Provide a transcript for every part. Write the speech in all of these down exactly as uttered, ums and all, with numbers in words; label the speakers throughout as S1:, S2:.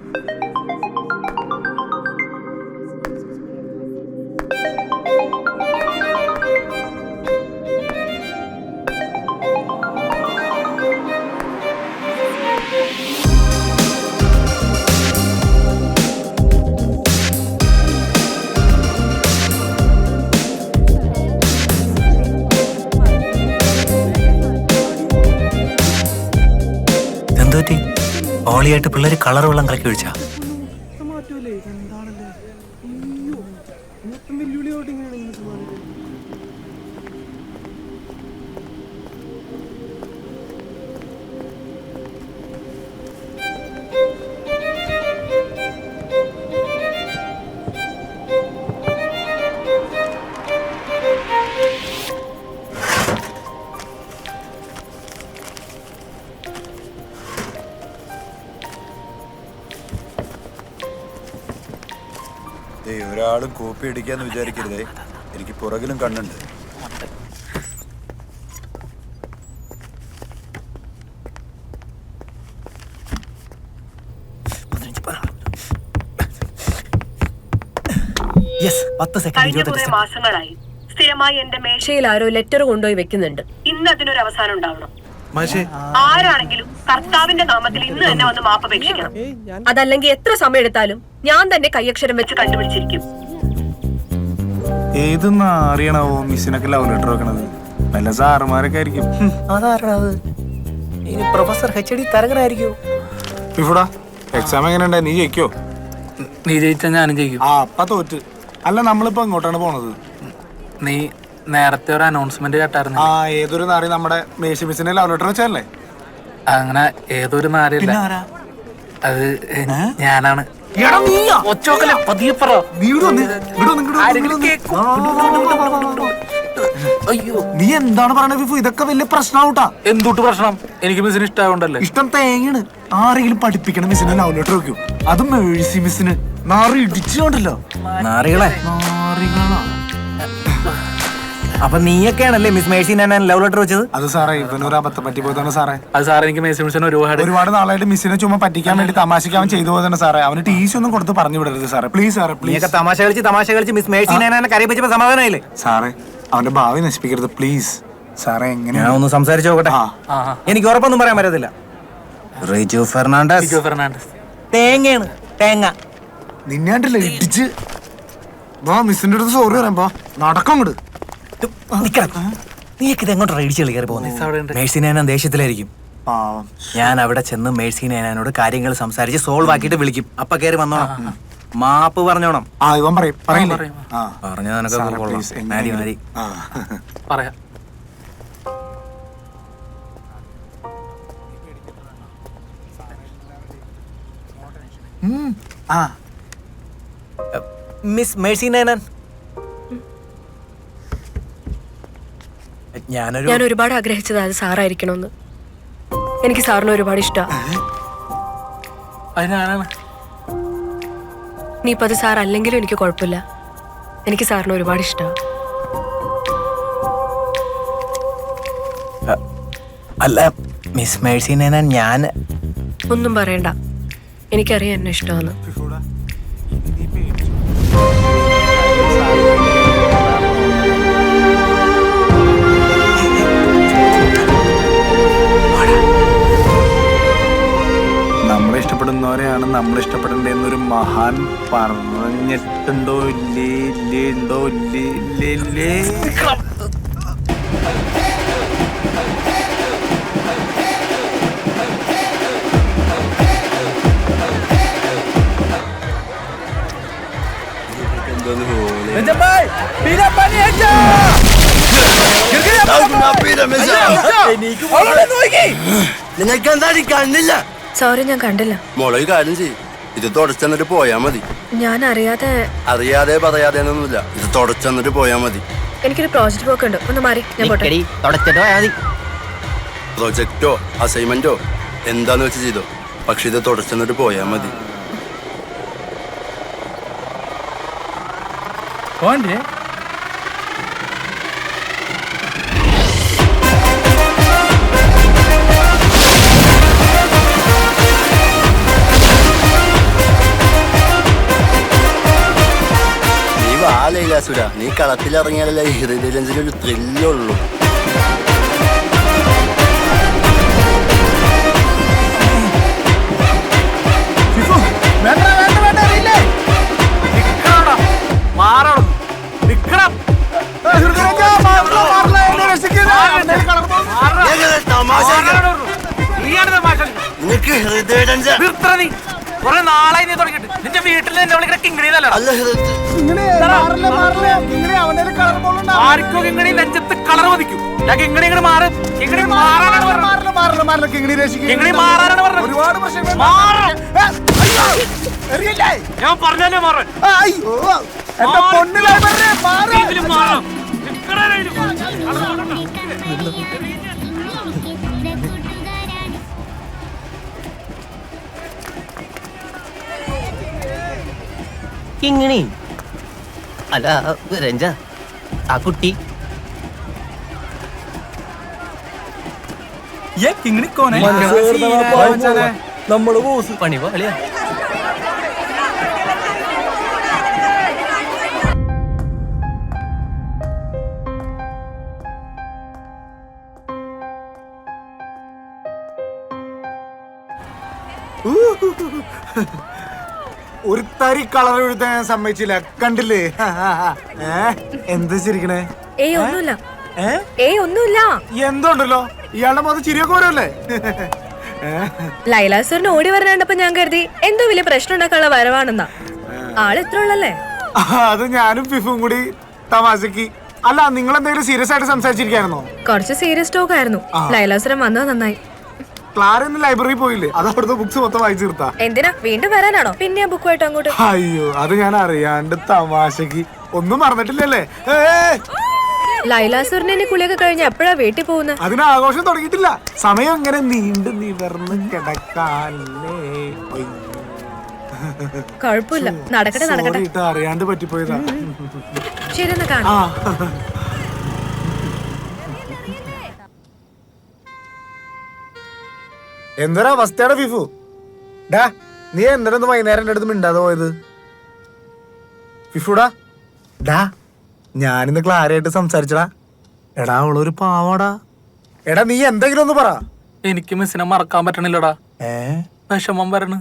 S1: ഓളിയായിട്ട് പിള്ളേര് കളർ വെള്ളം കലക്കി ഒഴിച്ചാ
S2: ഒരാളും കോപ്പി അടിക്കാന്ന് വിചാരിക്കരുതേ, എനിക്ക് പുറകിലും കണ്ണുണ്ട്.
S3: മാസങ്ങളായി സ്ഥിരമായി എന്റെ മേശയിൽ ആരോ ലെറ്റർ കൊണ്ടുപോയി വെക്കുന്നുണ്ട്. ഇന്ന് അതിനൊരു അവസാനം ഉണ്ടാവണം. ആരാണെങ്കിലും കർത്താവിന്റെ നാമത്തിൽ ഇന്ന് തന്നെ വന്ന് മാപ്പപേക്ഷിക്കണം. അതല്ലെങ്കിൽ എത്ര സമയം എടുത്താലും ഞാൻ തന്നെ കൈയക്ഷരം വെച്ച് കണ്ടുപിടിച്ചിരിക്കും.
S4: ഏതെന്നാ അറിയണാവോ മിസ്സിനൊക്കെ ലവ് ലെറ്റർ വെക്കണത്? വല്ല സാറുമാരൊക്കെ ആയിരിക്കും.
S1: അതാരണത്? ഇനി പ്രൊഫസർ എച്ച് ഡി തരകനായിരിക്കും.
S4: ഇവിടാ എക്സാം എങ്ങനെയുണ്ടായി? നീ ജയിക്കോ?
S5: നീ ജയിച്ചാ ഞാനും ജയിക്കും.
S4: ആ അപ്പ തോറ്റ്. അല്ല നമ്മളിപ്പോ എങ്ങോട്ടാണ് പോണത്?
S5: നീ നേരത്തെ ഒരു അനൗൺസ്മെന്റ് കേട്ടായിരുന്നു.
S4: ആ ഏതൊരു നാറി നമ്മുടെ മേശി മിസ്സിനെ ലവ് ലെറ്റർ വെച്ചല്ലേ?
S5: അങ്ങനെ ഏതൊരു നാരില്ല, അത് ഞാനാണ്.
S4: നീ എന്താണ് പറയണത് ഫിഫു? ഇതൊക്കെ വലിയ പ്രശ്നമാവൂട്ടാ.
S5: എന്തുട്ട് പ്രശ്നം? എനിക്ക് മിസ്സിന് ഇഷ്ടമായോണ്ടല്ലേ.
S4: ഇഷ്ടം തേങ്ങയാണ്. ആരെങ്കിലും പഠിപ്പിക്കണം മിസ്സിനെ ലവ് ലെറ്റർ വെക്കും, അതും മേഴ്സി മിസ്സിന്. നാറി ഇടിച്ചുകൊണ്ടല്ലോ
S1: നാറികളെ.
S4: നാറികളാ.
S1: അപ്പൊ നീയൊക്കെയാണല്ലേ മിസ് മേഴ്സി ഞാൻ ലവ് ലെറ്റർ വെച്ചത്?
S4: അത് സാറേ ഇവനൊരു അബദ്ധം പറ്റി പോയതാണ് സാറേ.
S5: അത് സാറേ എനിക്ക് മേഴ്സി മിസ്സിനെ ഒരുപാട്
S4: ഒരുപാട് നാളായിട്ട് മിസ്സിനെ ചുമ്മാ പറ്റിക്കാൻ വേണ്ടി തമാശയ്ക്ക് അവൻ ചെയ്തു പോയതാണ് സാറേ. അവന് ടീസി ഒന്നും കൊടുത്ത് പറഞ്ഞു വിടരുത് സാറേ, പ്ലീസ് സാറേ പ്ലീസ്.
S1: തമാശ കളിച്ച് തമാശ കളിച്ച് മിസ് മേഴ്സി ഞാൻ കരയിപ്പിച്ചപ്പോ സമാധാനമായില്ലേ
S4: സാറേ? അവന്റെ ഭാവി നശിപ്പിക്കരുത് പ്ലീസ് സാറേ. എങ്ങനെ
S1: ഞാൻ ഒന്ന് സംസാരിച്ചു നോക്കട്ടെ. എനിക്ക് ഉറപ്പൊന്നും പറയാൻ പറ്റത്തില്ല. റിജു ഫെർണാണ്ടസ്
S5: ഫെർണാണ്ടസ്
S1: തേങ്ങയാണ്, തേങ്ങ.
S4: നിന്നാണ്ടല്ലേ ഇടിച്ച് വാ മിസ്സിന്റെ അടുത്ത് സോറി പറയാൻ പോ. നടക്കം അങ്ങോട്ട്.
S1: നീയൊക്കെ ഇത് എങ്ങോട്ടാ ഇടിച്ചു കളി കയറി പോകുന്നത്? മേഴ്സി നൈനാൻ ദേഷ്യത്തിലായിരിക്കും. ഞാൻ അവിടെ ചെന്ന് മേഴ്സി നൈനാനോട് കാര്യങ്ങൾ സംസാരിച്ച് സോൾവ് ആക്കിയിട്ട് വിളിക്കും. അപ്പൊ കയറി വന്നോണം, മാപ്പ് പറഞ്ഞോണം.
S4: ആ ഇവൻ പറയും പറയില്ലേ?
S1: പറഞ്ഞാ നിനക്ക് മാരി മാരി
S5: പറയാം.
S1: മിസ് മേഴ്സി നൈനാൻ, ഞാനൊരു
S3: ഞാൻ ഒരുപാട് ആഗ്രഹിച്ചത് അത് സാറായിരിക്കണമെന്ന്. എനിക്ക് സാറിന് ഒരുപാട് ഇഷ്ടമാണ്.
S5: അത് ഞാനാണ്.
S3: നീ ഇപ്പൊ അത് സാർ അല്ലെങ്കിലും എനിക്ക് കുഴപ്പമില്ല. എനിക്ക് സാറിന് ഒരുപാട് ഇഷ്ടമാണ്.
S1: അല്ല മിസ് മേഴ്സി നൈനാൻ, ഞാൻ
S3: ഒന്നും പറയണ്ട. എനിക്കറിയാം എന്നെ ഇഷ്ടമാണ്.
S4: നമ്മളെ ഇഷ്ടപ്പെടുന്നവരെയാണ് നമ്മൾ ഇഷ്ടപ്പെടേണ്ടതെന്നൊരു മഹാൻ പറഞ്ഞിട്ടുണ്ടോ? ഇല്ലേ ഇല്ലേ ഉണ്ടോ ഇല്ലേ ഇല്ലേ ഇല്ലേ?
S2: നിങ്ങൾക്ക് എന്താ കണ്ടില്ല?
S3: സോറി, ഞാൻ കണ്ടില്ല.
S2: മോളെ കാര്യം ചെയ്യും, ഇത് തുടച്ചെന്നിട്ട് പോയാ മതി.
S3: ഞാൻ അറിയാതെ
S2: അറിയാതെ പറയാതെ ഒന്നുമില്ല, ഇത് തുടച്ചെന്നിട്ട് പോയാ മതി.
S3: എനിക്കൊരു പ്രോജക്റ്റ് വർക്ക് ഉണ്ട്, ഒന്ന് മാറി ഞാൻ പോട്ടെ.
S2: പ്രൊജക്റ്റോ അസൈൻമെന്റോ എന്താന്ന് വെച്ച് ചെയ്തോ, പക്ഷെ ഇത് തുടച്ചെന്നിട്ട് പോയാ മതി. അസുര, നീ കളത്തിലിറങ്ങിയാലല്ലേ ഹൃദയരഞ്ജന ഒരു ത്രില്ലുള്ളൂ. നിനക്ക് ഹൃദയരഞ്ജന
S5: കൊറേ നാളായി നീ തുടങ്ങിട്ട് നിന്റെ വീട്ടിൽ എന്നെ വിളിക്കുന്ന കിങ്ങിണിന്നല്ല
S2: അല്ല ഹൃദയ
S5: ആർക്കോ കിങ്ങിണി നെഞ്ചത്ത് കളർ മതിക്കും ഞാൻ കിങ്ങിണി ഇങ്ങനെ മാറും കിങ്ങിണി മാറാനാണ് പറഞ്ഞത് കിങ്ങിണി മാറാനാണ് പറഞ്ഞത് ഞാൻ പറഞ്ഞല്ലേ മാറാൻ മാറും
S6: കിങ്ങിണി അല്ല രഞ്ജ ആ കുട്ടി നമ്മള് ബോസ് പണി പോലെയാ.
S4: ഒരു തരി കളർ എഴുതാൻ ഞാൻ സമ്മതിച്ചില്ല, കണ്ടില്ലേ? എന്താ ചിരിക്കണേ?
S3: ഏയ് ഒന്നുമില്ല, ഏയ് ഒന്നുമില്ല.
S4: എന്തോണ്ടല്ലോ ഇയാളുടെ മുഖത്ത് ചിരിയൊക്കെ വരുമല്ലേ?
S3: ലൈല സാറിന് ഓടി വരാണ്ടപ്പോ ഞാൻ കരുതി എന്തോ വലിയ പ്രശ്നം ഉണ്ടാക്കാനുള്ള വരവാണെന്നാ. ആള് ഇത്ര ഉള്ളല്ലേ?
S4: അത് ഞാനും ഫിഫും കൂടി തമാശക്ക്. അല്ല, നിങ്ങൾ എന്തെങ്കിലും സീരിയസ് ആയിട്ട് സംസാരിച്ചിരിക്കായിരുന്നോ?
S3: കുറച്ച് സീരിയസ് ടോക്ക് ആയിരുന്നു. ലൈല സാറൻ വന്നത് നന്നായി.
S4: ക്ലാര ഇന്ന് ലൈബ്രറി പോയില്ലേ? അത് അവിടുത്തെ ബുക്സ് മൊത്തം വായിച്ചു തീർത്താ.
S3: എന്തിനാ വീണ്ടും വരാനാണോ? പിന്നെ ആ ബുക്കുമായിട്ട് അങ്ങോട്ട്?
S4: അയ്യോ, അത് ഞാൻ അറിയാണ്ട് തമാശക്ക്. ഒന്നും മറന്നിട്ടില്ലല്ലേ?
S3: ലൈല സാറിന് കുളിയൊക്കെ കഴിഞ്ഞ് എപ്പോഴാ വീട്ടിൽ പോകുന്നത്?
S4: അതിന് ആഘോഷം തുടങ്ങിയിട്ടില്ല. സമയം ഇങ്ങനെ നീണ്ടു നിവർന്ന് കിടക്കാല്ലേ.
S3: കുഴപ്പമില്ല, നടക്കട്ടെ നടക്കട്ടെ.
S4: അറിയാണ്ട് പറ്റിപ്പോയതാ.
S3: ശരി, എന്നാ കാണാം.
S4: എന്തൊരു അവസ്ഥയാണ് ഫിഫു. ഡാ, നീ എന്തിനൊന്ന് വൈകുന്നേരം എന്റെ അടുത്ത് മിണ്ടാതെ പോയത്? ഫിഫുടാ, ഡാ, ഞാനിന്ന് ക്ലാരയായിട്ട് സംസാരിച്ചടാ. എടാ, അവളൊരു പാവാടാ. എടാ, നീ എന്തെങ്കിലും ഒന്ന് പറ.
S5: എനിക്ക് മിസ്സിനെ മറക്കാൻ പറ്റണില്ലടാ.
S4: ഏ
S5: വിഷമം വരണ്.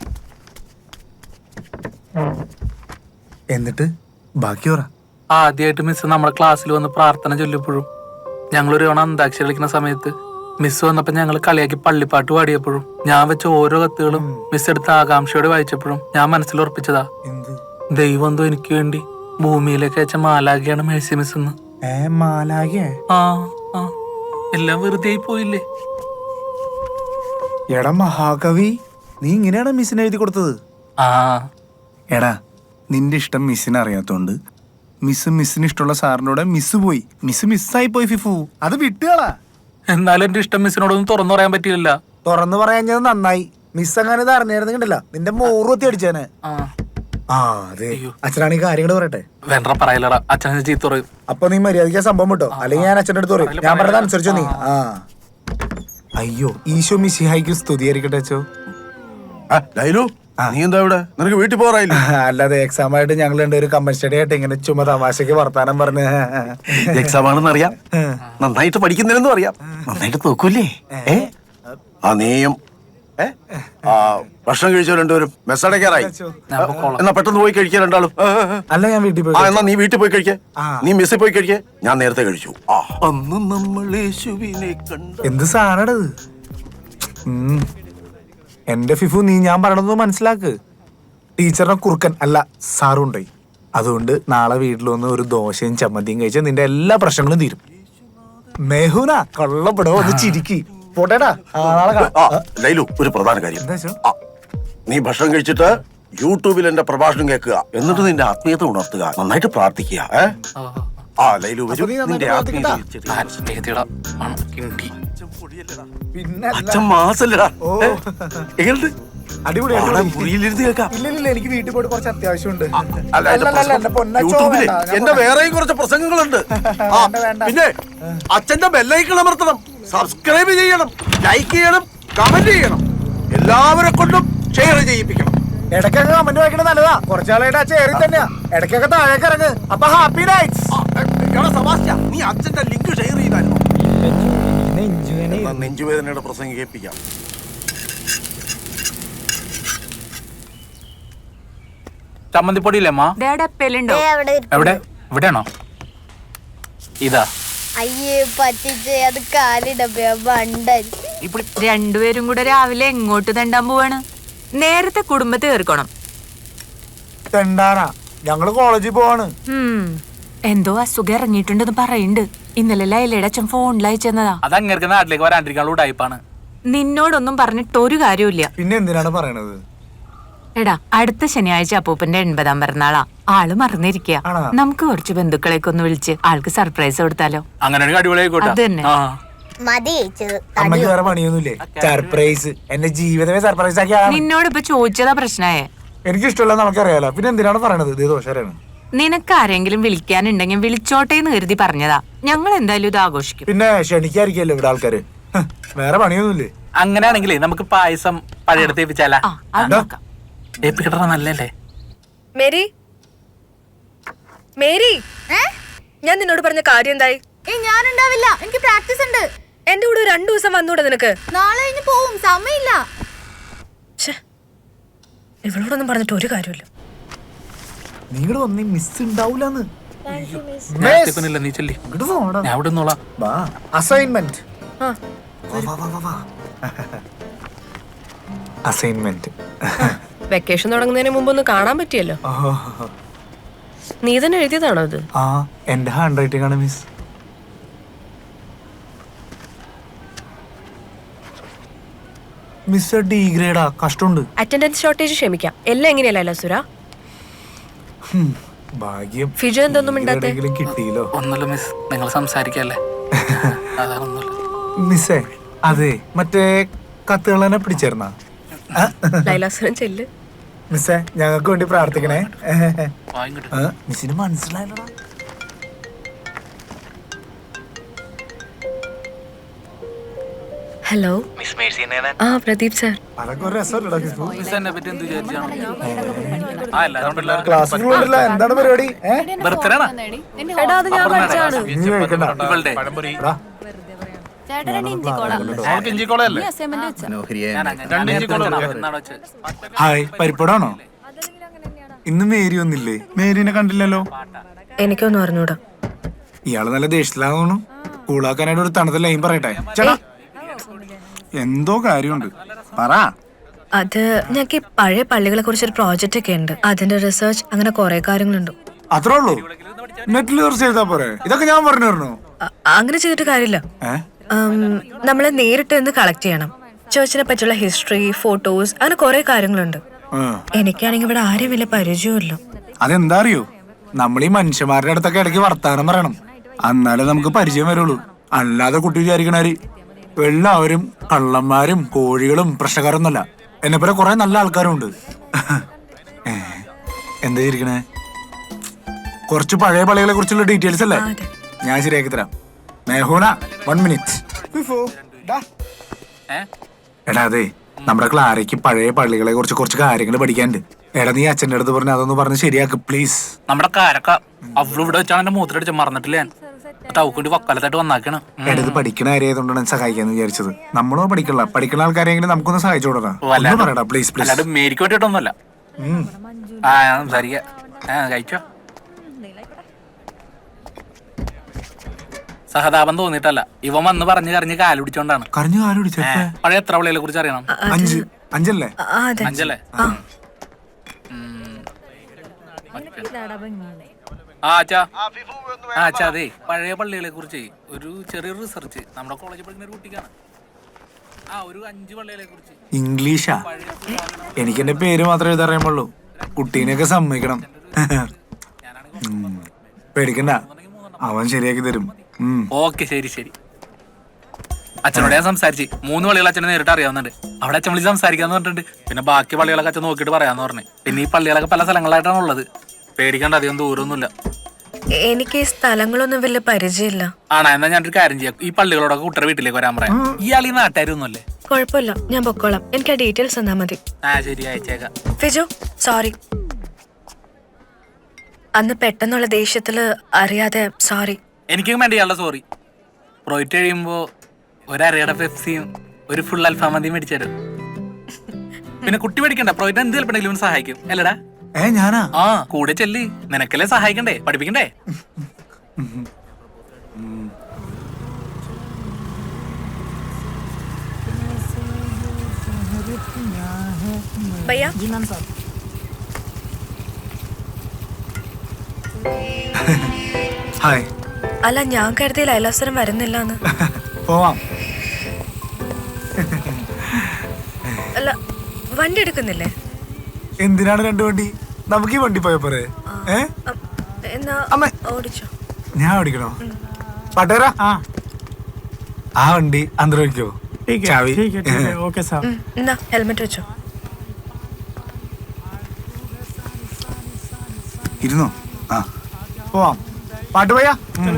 S4: എന്നിട്ട് ബാക്കി പറ.
S5: ആദ്യമായിട്ട് മിസ് നമ്മുടെ ക്ലാസ്സിൽ വന്ന് പ്രാർത്ഥന ചൊല്ലിയപ്പോഴും, ഞങ്ങളൊരു തവണ അന്താക്ഷരി കളിക്കുന്ന സമയത്ത് മിസ് വന്നപ്പോ ഞങ്ങൾ കളിയാക്കി പള്ളിപ്പാട്ട് പാടിയപ്പോഴും, ഞാൻ വെച്ച ഓരോ കത്തുകളും മിസ് എടുത്ത് ആകാംക്ഷയോടെ വായിച്ചപ്പോഴും ഞാൻ മനസ്സിൽ ഉറപ്പിച്ചതാ, ദൈവം എന്തോ എനിക്ക് വേണ്ടി ഭൂമിയിലേക്ക് അയച്ച മാലാഖയാണ് മേഴ്സി മിസ് എന്ന്. ആ ആ എല്ലാം വെറുതെ ആയി പോയില്ലേ?
S4: എടാ മഹാകവി, നീ ഇങ്ങനെയാണ് മിസ്സിന് എഴുതി കൊടുത്തത്?
S5: ആ
S4: എടാ, നിന്റെ ഇഷ്ടം മിസ്സിന് അറിയാത്തോണ്ട് മിസ് മിസ്സിന് ഇഷ്ടമുള്ള സാറിനോട് മിസ് പോയി. മിസ് മിസ്സായി പോയി ഫിഫു. അത് വിട്ടുകളാ.
S5: എന്നാലും എന്റെ ഇഷ്ടം മിസ്സിനോടൊന്നും തുറന്നു പറയാൻ പറ്റിയില്ല.
S4: തുറന്നു പറയാഞ്ഞത് നന്നായി. മിസ് അങ്ങനെ ഇത് അറിഞ്ഞായിരുന്നെങ്കിലല്ല നിന്റെ മോറുത്തി അടിച്ചേനെ. ആ അതെ, അച്ഛനാണ് ഈ കാര്യങ്ങൾ പറയട്ടെ.
S5: വേണ്ട പറയലടാ, അച്ഛനെ ചീത്ത പറയും.
S4: അപ്പൊ നീ മര്യാദയ്ക്ക് സംഭവം വിട്ടോ, അല്ലെങ്കിൽ ഞാൻ അച്ഛൻ്റെ അടുത്ത് പറയും. ഞാൻ പറഞ്ഞത് അനുസരിച്ചോ നീ. ആ അയ്യോ, ഈശോ മിശിഹായിക്ക് സ്തുതിയായിരിക്കട്ടെ അച്ഛോ.
S2: ലൈലു, നീ എന്താ ഇവിടെ? നിനക്ക് വീട്ടിൽ പോറായില്ല?
S4: അല്ലാതെ എക്സാം ആയിട്ട് ഞങ്ങൾ രണ്ടുപേരും കമ്പൻ സ്റ്റഡി ആയിട്ട് ഇങ്ങനെ ചുമ തമാശക്ക് വർത്താനം പറഞ്ഞ്.
S2: എക്സാം ആണെന്ന് അറിയാം, നന്നായിട്ട് പഠിക്കുന്നില്ലെന്നും അറിയാം, നന്നായിട്ട് നോക്കൂല്ലേ? ഏ ആ നീയും ആ ഭക്ഷണം കഴിച്ചോ രണ്ടുപേരും? മെസ്സടക്കാറായി, എന്നാ പെട്ടെന്ന് പോയി കഴിക്കാൻ രണ്ടാളും.
S4: അല്ല, ഞാൻ വീട്ടിൽ പോയി.
S2: ആ എന്നാ നീ വീട്ടിൽ പോയി കഴിക്കേ, നീ മെസ്സിൽ പോയി കഴിക്കേ. ഞാൻ നേരത്തെ കഴിച്ചു. അന്ന് നമ്മൾ യേശുവിനെ കണ്ടു.
S4: എന്ത് സാധനത്? എന്റെ ഫിഫു, നീ ഞാൻ പറയണത് മനസ്സിലാക്ക്. ടീച്ചറിനെ കുറുക്കൻ അല്ല സാറുണ്ടായി. അതുകൊണ്ട് നാളെ വീട്ടിൽ വന്ന് ഒരു ദോശയും ചമ്മന്തിയും കഴിച്ചാൽ നിന്റെ എല്ലാ പ്രശ്നങ്ങളും തീരും. മെഹുന കൊള്ളപ്പെടോ, ഒന്ന് ചിരിക്കി പോട്ടേടാ.
S2: ലൈലു, ഒരു പ്രധാന കാര്യം, നീ ഭക്ഷണം കഴിച്ചിട്ട് യൂട്യൂബിൽ എന്റെ പ്രഭാഷണം കേൾക്കുക, എന്നിട്ട് നിന്റെ ആത്മീയത ഉണർത്തുക, നന്നായിട്ട് പ്രാർത്ഥിക്കുക. ആ ലൈലു, നിന്റെ ആത്മീയത. അച്ഛൻ മാസല്ലടാ. എങ്ങനെയുണ്ട്?
S4: അടിപൊളി.
S2: മുറിയിലിരുന്ന് കേൾക്കാം.
S4: ഇല്ല, എനിക്ക് വീട്ടിൽ പോയിട്ട് കുറച്ച് അത്യാവശ്യമുണ്ട്.
S2: യൂട്യൂബില് എന്റെ വേറെയും കുറച്ച് പ്രസംഗങ്ങളുണ്ട്. പിന്നെ അച്ഛന്റെ ബെല്ലൈക്കൺ അമർത്തണം, സബ്സ്ക്രൈബ് ചെയ്യണം, ലൈക്ക് ചെയ്യണം, കമന്റ് ചെയ്യണം, എല്ലാവരെ കൊണ്ടും ഷെയർ ചെയ്യിപ്പിക്കണം.
S4: ഇടയ്ക്കൊക്കെ കമന്റ് വായിക്കണത് നല്ലതാ. കുറച്ചാളായിട്ട് ആ ചേരി തന്നെയാ. ഇടയ്ക്കൊക്കെ താഴേക്ക് ഇറങ്ങ്. അപ്പൊ ഹാപ്പി നൈറ്റ്സ്.
S2: നീ അച്ഛന്റെ ലിങ്ക് ഷെയർ ചെയ്തായിരുന്നു. നെഞ്ചുവേദനയുടെ പ്രസംഗം കേൾപ്പിക്കാം.
S5: ചമ്മന്തിപ്പൊടിയില്ലേ അമ്മ? എവിടെ? ഇവിടെയാണോ? ഇതാ.
S7: അയ്യേ പറ്റിച്ച് അത് കാലിടപ്പ ബണ്ടൻ.
S8: രണ്ടുപേരും കൂടെ രാവിലെ എങ്ങോട്ട് തെണ്ടാൻ പോവാണ്? നേരത്തെ കുടുംബത്തെ തീർക്കണം.
S4: തെണ്ടാനാ? ഞങ്ങള് കോളേജിൽ പോവാണ്.
S8: എന്തോ അസുഖം ഇറങ്ങിയിട്ടുണ്ടെന്ന് പറയുന്നുണ്ട്. ഇന്നലെ ലൈലയുടെ അച്ഛൻ ഫോണിൽ അയച്ചെന്നതാ.
S5: അത് അങ്ങേർക്ക് നാട്ടിലേക്ക് വരാണ്ടിരിക്കാനുള്ള ടൈപ്പാണ്.
S8: നിന്നോടൊന്നും പറഞ്ഞിട്ട് ഒരു കാര്യമില്ല.
S4: പിന്നെ എന്തിനാണ് പറയണത്?
S8: എടാ, അടുത്ത ശനിയാഴ്ച അപ്പൂപ്പന്റെ എൺപതാം പിറന്നാളാ. ആള് മറന്നിരിക്കുക. നമുക്ക് കുറച്ച് ബന്ധുക്കളെയൊക്കെ ഒന്ന് വിളിച്ച് ആൾക്ക് സർപ്രൈസ് കൊടുത്താലോ?
S5: അങ്ങനെ
S8: അത് തന്നെ.
S7: മതി
S4: അമ്മക്ക് വേറെ പണിയൊന്നുമില്ലേ? സർപ്രൈസ് എന്റെ ജീവിതമേ സർപ്രൈസ് ആക്കി.
S8: നിന്നോട് ഇപ്പൊ ചോദിച്ചതാ പ്രശ്നമായേ.
S4: എനിക്ക് ഇഷ്ടമല്ല, നമുക്കറിയാലോ. പിന്നെ എന്തിനാണ് പറയണത്? ഇത് ദോഷമാണ്.
S8: നിനക്ക് ആരെങ്കിലും വിളിക്കാനുണ്ടെങ്കിൽ വിളിച്ചോട്ടെ എന്ന് കരുതി പറഞ്ഞതാ. ഞങ്ങൾ എന്തായാലും ഇത് ആഘോഷിക്കും.
S4: പിന്നെ ക്ഷണിക്കാതിരിക്കല്ലോ ഇവിടെ ആൾക്കാര്. വേറെ പണിയൊന്നുമില്ലേ?
S5: അങ്ങനെയാണെങ്കിലേ നമുക്ക് പായസം പഴയെടുത്ത് ഏൽപ്പിച്ചാലാ? ഏൽപ്പിക്കട്ട നല്ലല്ലേ?
S3: മേരി, മേരി, ഞാൻ നിന്നോട് പറഞ്ഞ കാര്യം എന്തായി?
S7: ഞാനുണ്ടാവില്ല, എനിക്ക് പ്രാക്ടീസ് ഉണ്ട്.
S3: എന്റെ കൂടെ രണ്ടു ദിവസം വന്നൂടെ നിനക്ക്?
S7: നാളെ കഴിഞ്ഞ് പോവും, സമയമില്ല.
S3: ഇവളോടൊന്നും പറഞ്ഞിട്ട് ഒരു കാര്യമില്ല.
S4: നിങ്ങൾ വന്നേ മിസ് ഉണ്ടാവൂലെന്ന്.
S5: നീ ചെല്ലി, ഞാൻ അവിടെ നിന്നോളാം.
S4: അസൈൻമെന്റ് അസൈൻമെന്റ്
S3: വെക്കേഷൻ തുടങ്ങുന്നതിന് മുമ്പ് ഒന്ന് കാണാൻ പറ്റിയല്ലോ. നീ തന്നെ എഴുതിയതാണോ ഇത്?
S4: ആ, എന്റെ ഹാൻഡ് റൈറ്റിംഗ് ആണ് മിസ്. മിസ് ഡി ഗ്രേഡാ, കഷ്ടമുണ്ട്.
S3: അറ്റൻഡൻസ് ഷോർട്ടേജ് ക്ഷമിക്കാം, എല്ലാം എങ്ങനെയല്ല സുര.
S4: ഭാഗ്യം.
S3: ഫിജു എന്തൊന്നും മിണ്ടാത്തെ?
S4: കിട്ടിയില്ലോ.
S5: ഒന്നുമില്ല മിസ്, നിങ്ങൾ സംസാരിക്കല്ലേ.
S4: മിസ്സേ, അതെ മറ്റേ കത്തുകൾ തന്നെ പിടിച്ചേർന്ന
S3: ലൈലാസുരൻ ചെല്ല്.
S4: മിസ്സേ, ഞങ്ങൾക്ക് വേണ്ടി പ്രാർത്ഥിക്കണേ. മിസ്സിന് മനസ്സിലായല്ലോ.
S3: ഹലോ, ആ പ്രദീപ് സാർ.
S4: അതൊക്കെ ഒരു രസമല്ലടാ. എന്താണ് പരിപാടി?
S3: എടാ, അത് ഞാൻ പഠിച്ചാണ്.
S4: ഹായ്, പരിപ്പടാണോ? ഇന്ന് മേരി ഒന്നില്ലേ? മേരിനെ കണ്ടില്ലല്ലോ.
S3: എനിക്കൊന്നും അറിഞ്ഞൂടാ.
S4: ഇയാള് നല്ല ദേഷ്യത്തിലാന്ന് തോന്നുന്നു. കൂളാക്കാനായിട്ട് ഒരു തണുത്ത ലൈൻ പറയട്ടെ. ചേട്ടാ, എന്തോ കാര്യമുണ്ട്, പറ.
S3: അത് ഞങ്ങൾക്ക് ഈ പഴയ പള്ളികളെ കുറിച്ചൊരു പ്രോജക്റ്റ് ഒക്കെ ഉണ്ട്. അതിന്റെ റിസർച്ച്, അങ്ങനെ കുറെ കാര്യങ്ങളുണ്ട്.
S4: അത്രേ ഉള്ളൂ? നെറ്റിൽ സെർച്ച് ചെയ്താ പോരെ? ഇതൊക്കെ ഞാൻ പറഞ്ഞു തരണോ?
S3: അങ്ങനെ ചെയ്തിട്ട് കാര്യമില്ല. നമ്മള് നേരിട്ട് നിന്ന് കളക്ട് ചെയ്യണം. ചേർച്ചിനെ പറ്റിയുള്ള ഹിസ്റ്ററി, ഫോട്ടോസ്, അങ്ങനെ കുറെ കാര്യങ്ങളുണ്ട്. എനിക്കാണെങ്കിൽ ഇവിടെ ആരും വലിയ പരിചയമില്ല.
S4: അതെന്താ അറിയോ? നമ്മൾ ഈ മനുഷ്യന്മാരുടെ അടുത്തൊക്കെ ഇടയ്ക്ക് വർത്താനം പറയണം, എന്നാലേ നമുക്ക് പരിചയം വരുള്ളൂ. അല്ലാതെ കുട്ടി വിചാരിക്കണാര് എല്ലാവരും കള്ളന്മാരും കോഴികളും പ്രശ്നക്കാരൊന്നുമല്ല. എന്നെ പോലെ കുറെ നല്ല ആൾക്കാരും ഉണ്ട്. എന്താ ഇരിക്കണേ? കുറച്ച് പഴയ പള്ളികളെ കുറിച്ചുള്ള ഡീറ്റെയിൽസ് അല്ലേ? ഞാൻ ശരിയാക്കി തരാം. മേഹൂന, വൺ മിനിറ്റ്. എടാ, അതെ നമ്മുടെ ക്ലാരയ്ക്ക് പഴയ പള്ളികളെ കുറിച്ച് കുറച്ച് കാര്യങ്ങൾ പഠിക്കാനുണ്ട്. എടാ, നീ അച്ഛൻ്റെ അടുത്ത് പറഞ്ഞ് അതൊന്ന് പറഞ്ഞ് ശരിയാക്ക് പ്ലീസ്.
S5: നമ്മുടെ കാരക്ക അവള് ഇവിടെ വെച്ചാണ് എന്റെ മൂത്രടിച്ച് മറന്നിട്ടില്ല. ഞാൻ തവക്കൂട്ടി വക്കാലത്തായിട്ട് വന്നാക്കണം.
S4: എടുത്ത് പഠിക്കണ കാര്യമായതുകൊണ്ടാണ് സഹായിക്കാന്ന് വിചാരിച്ചത്. നമ്മളോ പഠിക്കണ്ട, പഠിക്കുന്ന ആൾക്കാരെങ്കിലും നമുക്കൊന്ന് സഹായിച്ചു കൊടുക്കാം. പറയടാ പ്ലീസ് പ്ലീസ്.
S5: അല്ലാണ്ട് മേരിക്ക് വേണ്ടിയിട്ടൊന്നുമല്ല. ആ സംസാരിക്ക. കഴിച്ചോ? സഹതാപം തോന്നിട്ടല്ല, ഇവൻ വന്ന് പറഞ്ഞു കരഞ്ഞ് കാല് പിടിച്ചോണ്ടാണ്.
S4: കരഞ്ഞു കാല് പിടിച്ച
S5: പഴയ എത്ര പള്ളികളെ കുറിച്ച് അറിയണം?
S4: അഞ്ച് അഞ്ചല്ലേ?
S5: അഞ്ചല്ലേ? ആ അച്ഛാ, ആ അച്ഛാ, അതെ പഴയ പള്ളികളെ കുറിച്ച് ഒരു ചെറിയൊരു റിസർച്ച് നമ്മുടെ കോളേജിൽ പഠിക്കുന്ന ഒരു കുട്ടിക്കാണ്. ആ ഒരു അഞ്ച് പള്ളികളെ കുറിച്ച്.
S4: ഇംഗ്ലീഷാ? എനിക്ക് എന്റെ പേര് മാത്രമേ എഴുതറിയാമുള്ളൂ. കുട്ടീനെയൊക്കെ സമ്മതിക്കണം. പേടിക്കണ്ട, അവൻ ശരിയാക്കി തരും.
S5: ഓക്കെ, ശരി ശരി. അച്ഛനോട് ഞാൻ സംസാരിച്ച് മൂന്ന് പള്ളികൾ അച്ഛനെ നേരിട്ട് അറിയാവുന്നുണ്ട്. അവിടെ അച്ഛൻ വിളിച്ച് സംസാരിക്കാന്ന് പറഞ്ഞിട്ടുണ്ട്. പിന്നെ ബാക്കി പള്ളികളൊക്കെ അച്ഛൻ നോക്കിയിട്ട് പറയാന്ന് പറഞ്ഞു. പിന്നെ ഈ പള്ളികളൊക്കെ പല സ്ഥലങ്ങളായിട്ടാണ് ഉള്ളത്. പേടിക്കേണ്ട, അധികം ദൂരമൊന്നുമില്ല.
S3: എനിക്ക് ഈ സ്ഥലങ്ങളൊന്നും വലിയ പരിചയമില്ല.
S5: ആണോ? എന്നാ ഞാനൊരു കാര്യം ചെയ്യാം, ഈ പള്ളികളോടൊക്കെ കുട്ടറെ വീട്ടിലേക്ക് വരാൻ പറയാം. ഇയാൾ ഈ നാട്ടുകാരൊന്നുമല്ലേ?
S3: കുഴപ്പമില്ല, ഞാൻ പൊക്കോളാം. എനിക്ക് ആ ഡീറ്റെയിൽസ് തന്നാ മതി.
S5: ആ ശരി, അയച്ചേക്കാം.
S3: ഫിജു, സോറി. അന്ന് പെട്ടെന്നുള്ള ദേഷ്യത്തില് അറിയാതെ സോറി.
S5: എനിക്കും വേണ്ടി ഇയാളുടെ സോറി. പ്രോയിറ്റ് കഴിയുമ്പോ ഒരരയുടെ പെപ്സിയും ഒരു ഫുൾ അൽഫാമന്തിയും മേടിച്ചു. പിന്നെ കുട്ടി മേടിക്കണ്ട, പ്രോയിറ്റ് എന്ത് ചിലപ്പോഴെങ്കിലും സഹായിക്കും അല്ലടാ?
S4: ഏ ഞാനാ?
S5: ആ കൂടെ ചെല്ലി, നിനക്കല്ലേ സഹായിക്കണ്ടേ, പഠിപ്പിക്കണ്ടേ?
S3: ഭയ്യ,
S4: ഹായ്.
S3: അല്ല ഞാൻ കരുതി ലൈലാസുരം വരുന്നില്ലാന്ന്.
S4: പോവാം.
S3: അല്ല വണ്ടി എടുക്കുന്നില്ലേ?
S4: എന്തിനാണ് രണ്ടു വണ്ടി? നമുക്ക് ഈ വണ്ടി പോയ പോരെ? ഏ
S3: എന്നാ
S4: അമ്മ
S3: ഓടിച്ചോ.
S4: ഞാൻ ഓടിക്കണോ? പാട്ടേരാ, ആ വണ്ടി അന്തരം വയ്ക്കോ? ചാവി.
S3: എന്നാ ഹെൽമെറ്റ് വെച്ചോ.
S4: ഇരുന്നോ? ആ പോവാം. പാട്ട് പോയാ?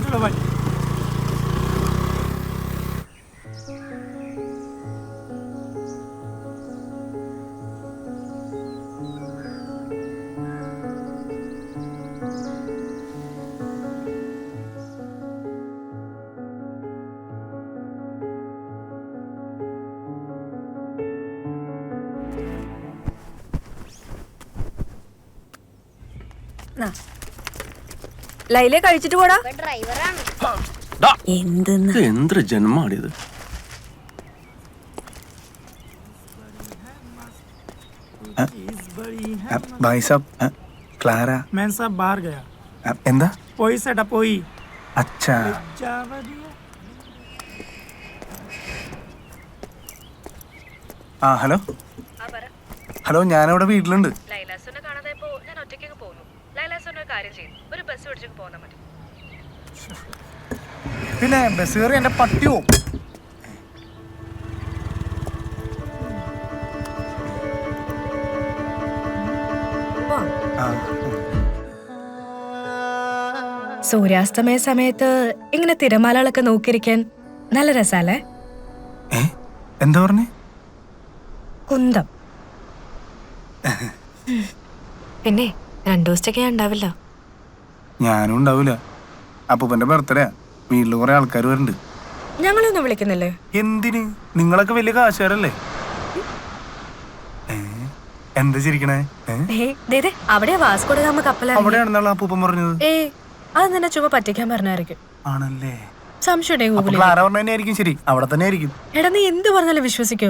S3: ലൈലെ കഴിച്ചിട്ട് പോടാ.
S7: ഡ്രൈവറാണ്.
S3: എന്തെന്ന്
S2: എന്തൊരു ജന്മാണിത്.
S4: ഭായ് സാബ്, ക്ലാര.
S9: मैं सब बाहर गया.
S4: എന്താ?
S9: पोई सेटा पोई.
S4: അച്ഛാ. ആ ഹലോ ഹലോ, ഞാനവിടെ വീട്ടിലുണ്ട്.
S3: ലൈലാസുനെ കാണാതായപ്പോ ഞാൻ ഒറ്റയ്ക്ക് പോന്നു. ലൈലാസുനെ ഒരു കാര്യം ചെയ്യും, ഒരു ബസ് പിടിച്ചിട്ട് പോന്നാ മതി.
S4: പിന്നെ ബസ് കയറി എന്റെ പട്ടിയോ?
S3: സൂര്യാസ്തമയ സമയത്ത് ഇങ്ങനെ തിരമാലകളൊക്കെ നോക്കിയിരിക്കാൻ നല്ല രസാലേ.
S4: എന്താ പറഞ്ഞേ?
S3: കുന്തം. പിന്നെ രണ്ടു ദിവസത്തേക്ക് ഞാൻ ഉണ്ടാവില്ല.
S4: ഞാനും ഉണ്ടാവില്ല. അപ്പൂപ്പന്റെ ബർത്ത്ഡേ, വീട്ടില് കുറെ ആൾക്കാർ വരുന്നുണ്ട്.
S3: ഞങ്ങളൊന്നും വിളിക്കുന്നില്ലേ?
S4: എന്തിന്? നിങ്ങളൊക്കെ വലിയ കാശുകാരല്ലേ? എന്താ ചിരിക്കണേ?
S3: അവിടെ വാസ്കോഡ ഗാമ കപ്പലാണ്.
S4: അവിടെയാണെന്നാണ് അപ്പൂപ്പൻ പറഞ്ഞത്.
S3: ഏ അത് നിന്നെ ചുമ പറ്റിക്കാൻ പറഞ്ഞായിരിക്കും.
S4: ആണല്ലേ?
S3: സംശയം
S4: ക്ലാര പറഞ്ഞായിരിക്കും. ശരി, അവിടെ തന്നെ ആയിരിക്കും.
S3: എടാ നീ എന്ത് പറഞ്ഞാലും വിശ്വസിക്കോ?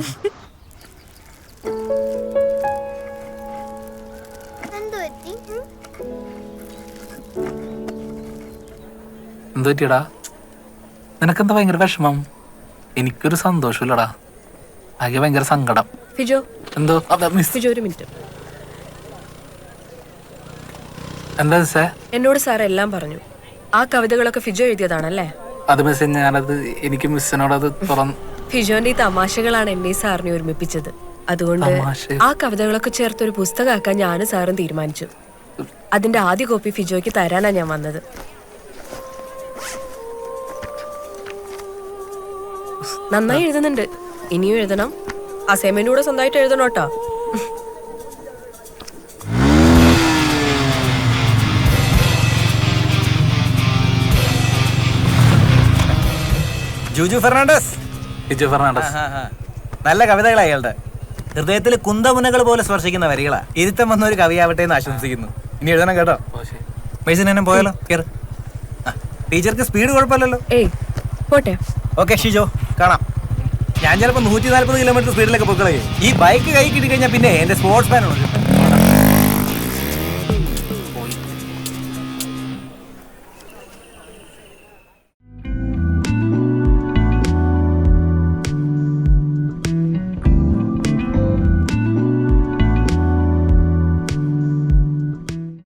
S5: എന്ത് പറ്റിയടാ? നിനക്കെന്താ ഭയങ്കര വിഷമം? എനിക്കൊരു സന്തോഷമില്ലടാ, ആകെ ഭയങ്കര സങ്കടം.
S3: ഫിജോ
S5: എന്തോ
S3: ഫിജോ ഒരു മിനിറ്റ്.
S5: എന്താ മിസ്സേ?
S3: എന്നോട് സാർ എല്ലാം പറഞ്ഞു. ആ കവിതകളൊക്കെ ഫിജോ എഴുതിയതാണല്ലേ?
S5: അത് മിസ്സേ, ഞാനത് എനിക്ക് മിസ്സിനോട് അത് തുറന്നു.
S3: ഫിജോന്റെ ഈ തമാശകളാണ് എന്നെ സാറിനെ ഒരുമിപ്പിച്ചത്. അതുകൊണ്ട് ആ കവിതകളൊക്കെ ചേർത്ത് ഒരു പുസ്തകമാക്കാൻ ഞാനും സാറും തീരുമാനിച്ചു. അതിന്റെ ആദ്യ കോപ്പി ഫിജോയ്ക്ക് തരാനാ ഞാൻ വന്നത്. നന്നായി എഴുതുന്നുണ്ട്, ഇനിയും എഴുതണം. അസൈൻമെന്റ് കൂടെ സ്വന്തമായിട്ട് എഴുതണോട്ടോ.
S1: ജൂജു ഫെർണാണ്ടസ്.
S5: ജിജു ഫെർണാണ്ടസ്.
S1: നല്ല കവിതകളാ അയാളുടെ. ഹൃദയത്തിൽ കുന്തമുനകൾ പോലെ സ്പർശിക്കുന്ന വരികളാ. ഇരുത്തം വന്ന ഒരു കവിയാവട്ടെ എന്ന് ആശംസിക്കുന്നു. ഇനി എഴുതണം കേട്ടോ. മെയ്സിനെ പോയാലോ? കേറ്. ടീച്ചർക്ക് സ്പീഡ് കുഴപ്പമില്ലല്ലോ.
S3: ഏയ് പോട്ടെ.
S1: ഓക്കെ ഷിജോ, കാണാം. ഞാൻ ചിലപ്പോൾ നൂറ്റി നാല്പത് കിലോമീറ്റർ സ്പീഡിലൊക്കെ പൊക്കളയും. ഈ ബൈക്ക് കൈ കിട്ടി കഴിഞ്ഞാൽ പിന്നെ എന്റെ സ്പോർട്സ് മാൻ ഉണ്ട്.